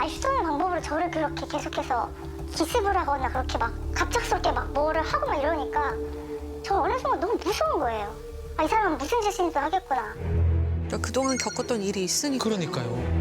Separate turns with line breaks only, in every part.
자기가 휘두르는 방법으로 저를 그렇게 계속해서 기습을 하거나 그렇게 막 갑작스럽게 막 뭐를 하고 막 이러니까 저 어느 순간 너무 무서운 거예요. 아, 이 사람은 무슨 짓인지 하겠구나.
그러니까 그동안 겪었던 일이 있으니까.
그러니까요.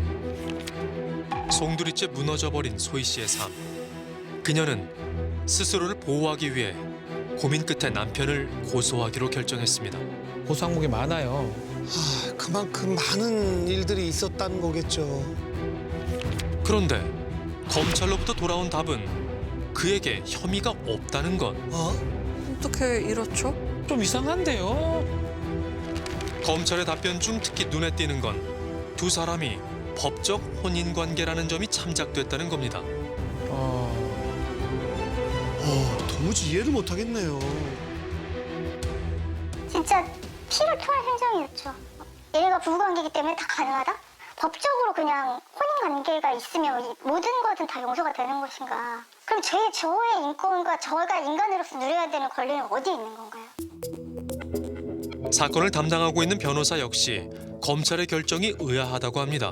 송두리째 무너져버린 소희 씨의 삶. 그녀는 스스로를 보호하기 위해 고민 끝에 남편을 고소하기로 결정했습니다.
고소 항목이 많아요.
그만큼 많은 일들이 있었다는 거겠죠.
그런데 검찰로부터 돌아온 답은 그에게 혐의가 없다는 것.
어떻게 이렇죠?
좀 이상한데요.
검찰의 답변 중 특히 눈에 띄는 건 두 사람이 법적 혼인 관계라는 점이 참작됐다는 겁니다.
도무지 이해를 못 하겠네요.
진짜 피를 토할 행정이었죠. 얘네가 부부관계이기 때문에 다 가능하다? 법적으로 그냥 혼인관계가 있으면 이 모든 것은 다 용서가 되는 것인가? 그럼 저의 인권과 저가 인간으로서 누려야 되는 권리는 어디에 있는 건가요?
사건을 담당하고 있는 변호사 역시 검찰의 결정이 의아하다고 합니다.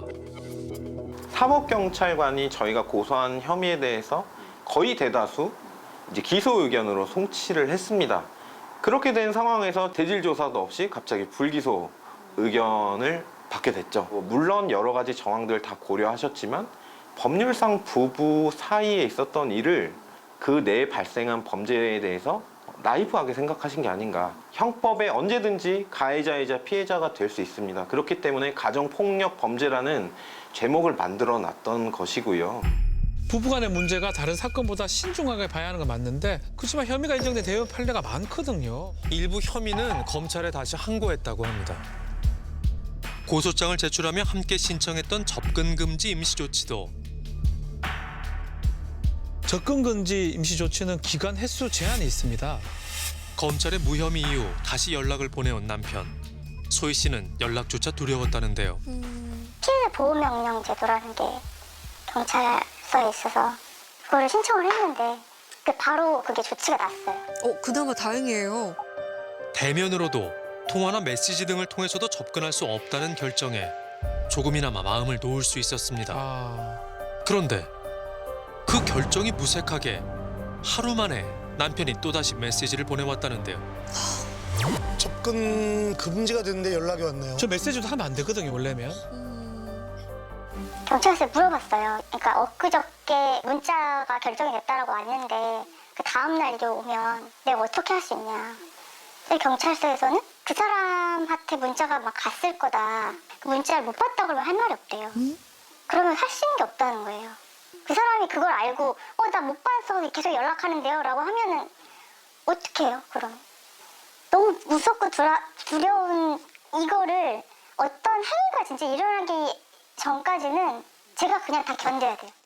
사법경찰관이 저희가 고소한 혐의에 대해서 거의 대다수 이제 기소 의견으로 송치를 했습니다. 그렇게 된 상황에서 대질 조사도 없이 갑자기 불기소 의견을 받게 됐죠. 물론 여러 가지 정황들 다 고려하셨지만 법률상 부부 사이에 있었던 일을 그 내에 발생한 범죄에 대해서 나이브하게 생각하신 게 아닌가. 형법에 언제든지 가해자이자 피해자가 될 수 있습니다. 그렇기 때문에 가정폭력 범죄라는 제목을 만들어 놨던 것이고요.
부부간의 문제가 다른 사건보다 신중하게 봐야 하는 건 맞는데 그렇지만 혐의가 인정된 대여 판례가 많거든요.
일부 혐의는 검찰에 다시 항고했다고 합니다. 고소장을 제출하며 함께 신청했던 접근 금지 임시 조치도
접근 금지 임시 조치는 기간 횟수 제한이 있습니다.
검찰의 무혐의 이후 다시 연락을 보내온 남편. 소희 씨는 연락조차 두려웠다는데요.
피해자 보호명령 제도라는 게 경찰서에 있어서 그거를 신청을 했는데 바로 그게 조치가 났어요.
그나마 다행이에요.
대면으로도 통화나 메시지 등을 통해서도 접근할 수 없다는 결정에 조금이나마 마음을 놓을 수 있었습니다. 그런데 그 결정이 무색하게 하루 만에 남편이 또다시 메시지를 보내왔다는데요.
접근 금지가 됐는데 연락이 왔네요.
저 메시지도 하면 안 되거든요, 원래면.
경찰서에 물어봤어요. 그러니까 엊그저께 문자가 결정이 됐다라고 왔는데 그 다음날 이게 오면 내가 어떻게 할 수 있냐. 경찰서에서는 그 사람한테 문자가 막 갔을 거다. 그 문자를 못 봤다 그러면 할 말이 없대요. 그러면 할 수 있는 게 없다는 거예요. 그 사람이 그걸 알고 나 못 봐서 계속 연락하는데요 라고 하면은 어떻게 해요 그럼. 너무 무섭고 두려운 이거를 어떤 행위가 진짜 일어나기 전까지는 제가 그냥 다 견뎌야 돼요.